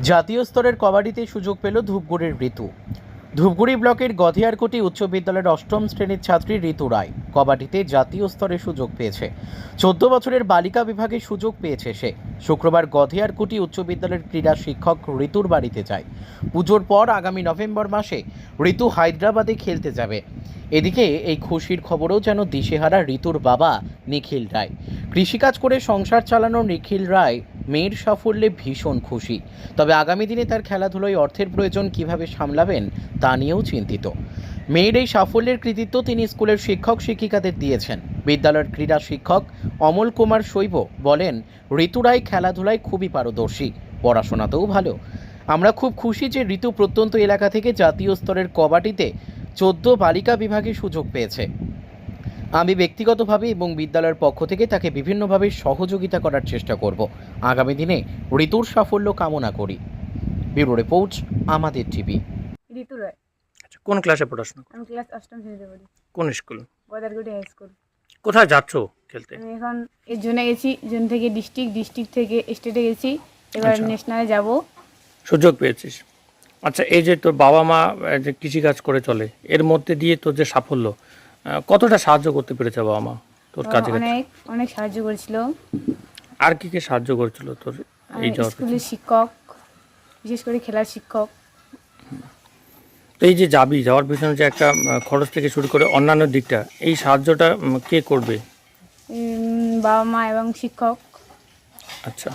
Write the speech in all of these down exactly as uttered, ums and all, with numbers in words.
জাতীয় স্তরের কবাডিতে সুযোগ পেল ধূপগুড়ির ঋতু। ধূপগুড়ি ব্লকের গধিয়ারকুটি উচ্চ বিদ্যালয়ের অষ্টম শ্রেণীর ছাত্রী ঋতু রায় কবাডিতে জাতীয় স্তরে সুযোগ পেয়েছে। চোদ্দ বছরের বালিকা বিভাগে সুযোগ পেয়েছে সে। শুক্রবার গধিয়ারকুটি উচ্চ বিদ্যালয়ের ক্রীড়া শিক্ষক ঋতুর বাড়িতে যায়। পুজোর পর আগামী নভেম্বর মাসে ঋতু হায়দ্রাবাদে খেলতে যাবে। এদিকে এই খুশির খবরও যেন দিশেহারা ঋতুর বাবা নিখিল রায়। কৃষিকাজ করে সংসার চালানো নিখিল রায় মেয়ের সাফল্যে ভীষণ খুশি। তবে আগামী দিনে তার খেলাধুলায় অর্থের প্রয়োজন কিভাবে সামলাবেন তা নিয়েও চিন্তিত। মেয়ের এই সাফল্যের কৃতিত্ব তিনি স্কুলের শিক্ষক শিক্ষিকাদের দিয়েছেন। বিদ্যালয়ের ক্রীড়া শিক্ষক অমল কুমার শৈব বলেন, ঋতু রায় খেলাধুলায় খুবই পারদর্শী, পড়াশোনাতেও ভালো। আমরা খুব খুশি যে ঋতু প্রত্যন্ত এলাকা থেকে জাতীয় স্তরের কবাডিতে চোদ্দ বালিকা বিভাগে সুযোগ পেয়েছে। আমি ব্যক্তিগতভাবে এবং বিদ্যালয়ের পক্ষ থেকে তাকে বিভিন্নভাবে সহযোগিতা করার চেষ্টা করব। আগামী দিনে ঋতুর সাফল্য কামনা করি। ব্যুরো রিপোর্ট, আমাদের টিভি। ঋতু রায়। আচ্ছা, কোন ক্লাসে পড়াশোনা করো? আমি ক্লাস অষ্টম শ্রেণীতে পড়ি। কোন স্কুল? গদারগুটি high school. কোথায় যাচ্ছ খেলতে? আমি এখন এই জোনে গেছি, জোন থেকে ডিস্ট্রিক্ট, ডিস্ট্রিক্ট থেকে স্টেটে গেছি, এবার আচ্ছা। ন্যাশনালে যাব। সুযোগ পেয়েছিস। আচ্ছা, এই যে তোর বাবা মা আহ, যে কৃষিকাজ করে চলে, এর মধ্যে দিয়ে তোর যে সাফল্য, আহ, কতটা সাহায্য করতে পেরেছে বাবা মা তোর কাজে? অনেক অনেক সাহায্য করেছিল। আর কি কি সাহায্য করেছিল তোর এই যাওয়ার পিছনে? স্কুলের শিক্ষক, বিশেষ করে খেলার শিক্ষক। তো এই যে যাবি, যাওয়ার পিছনে যে একটা আহ, খরচ থেকে শুরু করে অন্যান্য দিকটা, এই সাহায্যটা উম, কে করবে? উম, বাবা মা এবং শিক্ষক। আচ্ছা,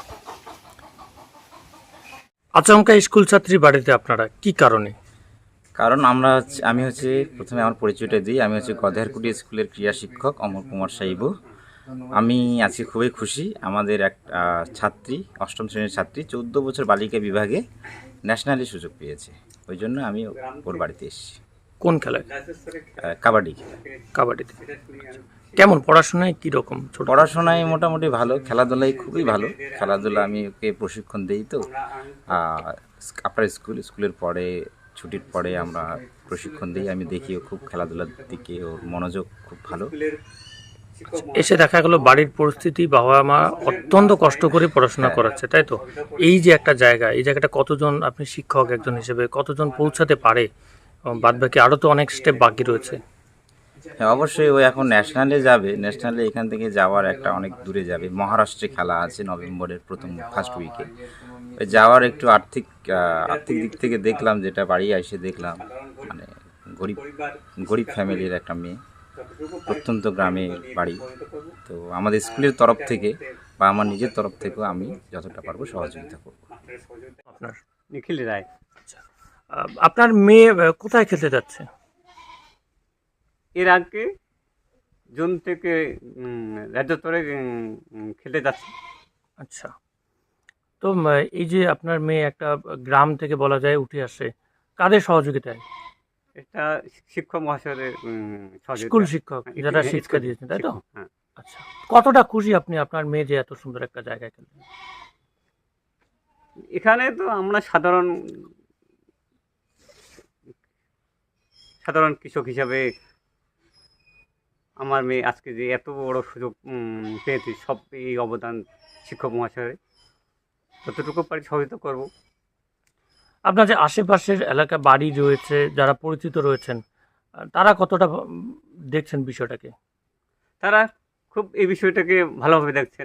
আচমকা স্কুল ছাত্রী বাড়িতে আপনারা কি কারণে? কারণ আমরা হচ্ছে আমি হচ্ছে প্রথমে আমার পরিচয়টা দিই। আমি হচ্ছে গধেয়ারকুটি স্কুলের ক্রীড়া শিক্ষক অমর কুমার সাইব। আমি আজকে খুবই খুশি। আমাদের এক আহ, ছাত্রী, অষ্টম শ্রেণীর ছাত্রী, চৌদ্দ বছর বালিকা বিভাগে ন্যাশনালি সুযোগ পেয়েছে। ওই জন্য আমি ওর বাড়িতে এসেছি। কোন খেলায়? আহ, কাবাডি খেলা। কাবাডিতে। আচ্ছা। কেমন পড়াশোনায় কীরকম? ছোট পড়াশোনায় মোটামুটি ভালো, খেলাধুলায় খুবই ভালো। খেলাধুলা আমি ওকে প্রশিক্ষণ দিই। তো আহ, আপনার স্কুল স্কুলের পরে ছুটির পরে আমরা প্রশিক্ষণ দিই। আমি দেখি ও খুব খেলাধুলার দিকে ওর মনোযোগ খুব ভালো। এসে দেখা গেল বাড়ির পরিস্থিতি, বাবা মা অত্যন্ত কষ্ট করে পড়াশোনা করাচ্ছে, তাই তো? এই যে একটা জায়গা, এই জায়গাটা কতজন, আপনি শিক্ষক একজন হিসেবে কতজন পৌঁছাতে পারে? বাদ বাকি আরও তো অনেক স্টেপ বাকি রয়েছে। হ্যাঁ, অবশ্যই ও এখন ন্যাশনালে যাবে। ন্যাশনালে এখান থেকে যাওয়ার একটা অনেক দূরে যাবে। মহারাষ্ট্রে খেলা আছে নভেম্বরের প্রথম ফার্স্ট উইকে। যাওয়ার একটু আর্থিক আহ, আর্থিক দিক থেকে দেখলাম, যেটা বাড়ি এসে দেখলাম, মানে গরিব গরিব ফ্যামিলির একটা মেয়ে, প্রত্যন্ত গ্রামে বাড়ি। তো আমাদের স্কুলের তরফ থেকে বা আমার নিজের তরফ থেকেও আমি যতটা পারবো সহযোগিতা করব। আপনার নিখিল রায়। আচ্ছা, আহ, আপনার মেয়ে আহ, কোথায় খেলতে যাচ্ছে? এর আগে জুন থেকে উম, রাজ্য স্তরে উম, খেলতে যাচ্ছে। আচ্ছা, তো উম, এই যে আপনার মেয়ে একটা গ্রাম থেকে বলা যায় উঠে আসে, কাদের সহযোগিতায়? এটা শিক্ষক মহাশয়ের উম, সহযোগিতা। স্কুল শিক্ষক হ্যাঁ, যারা স্কুল শিক্ষা দিয়েছেন, তাই তো? শিক্ষক, হ্যাঁ। আচ্ছা, কতটা খুশি আপনি আপনার মেয়ে যে এত সুন্দর একটা জায়গায় খেলবেন? এখানে তো আমরা সাধারণ সাধারণ কৃষক হিসাবে আমার মেয়ে আজকে যে এত বড় সুযোগ উম, পেয়েছে, সব এই অবদান শিক্ষক মহাশয়ের। যতটুকু পারি সহযোগিতা করব। আপনার যে আশেপাশের এলাকা বাড়ি রয়েছে, যারা পরিচিত রয়েছেন, আহ, তারা কতটা উম, দেখছেন বিষয়টাকে? তারা খুব এই বিষয়টাকে ভালোভাবে দেখছেন।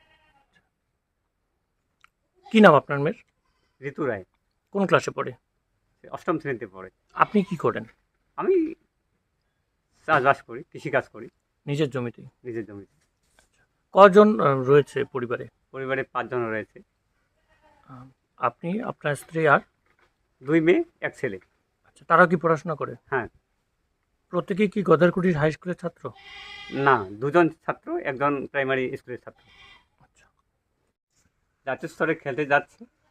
কি নাম আপনার মেয়ের? ঋতু রায়। কোন ক্লাসে পড়ে? সে অষ্টম শ্রেণীতে পড়ে। আপনি কি করেন? আমি চাষবাস করি, কৃষিকাজ করি নিজের জমিতেই? নিজের জমিতে। কজন আহ, রয়েছে পরিবারে? পরিবারে পাঁচজন রয়েছে, আহ, আপনি, আপনার স্ত্রী আর? দুই মেয়ে এক ছেলে। আচ্ছা, তারাও কি পড়াশোনা করে? হ্যাঁ। প্রত্যেকেই কি গদারকুটির হাই স্কুলের ছাত্র? না, দুজন ছাত্র, একজন প্রাইমারি স্কুলের ছাত্র। আচ্ছা, জাতীয় স্তরে খেলতে যাচ্ছে।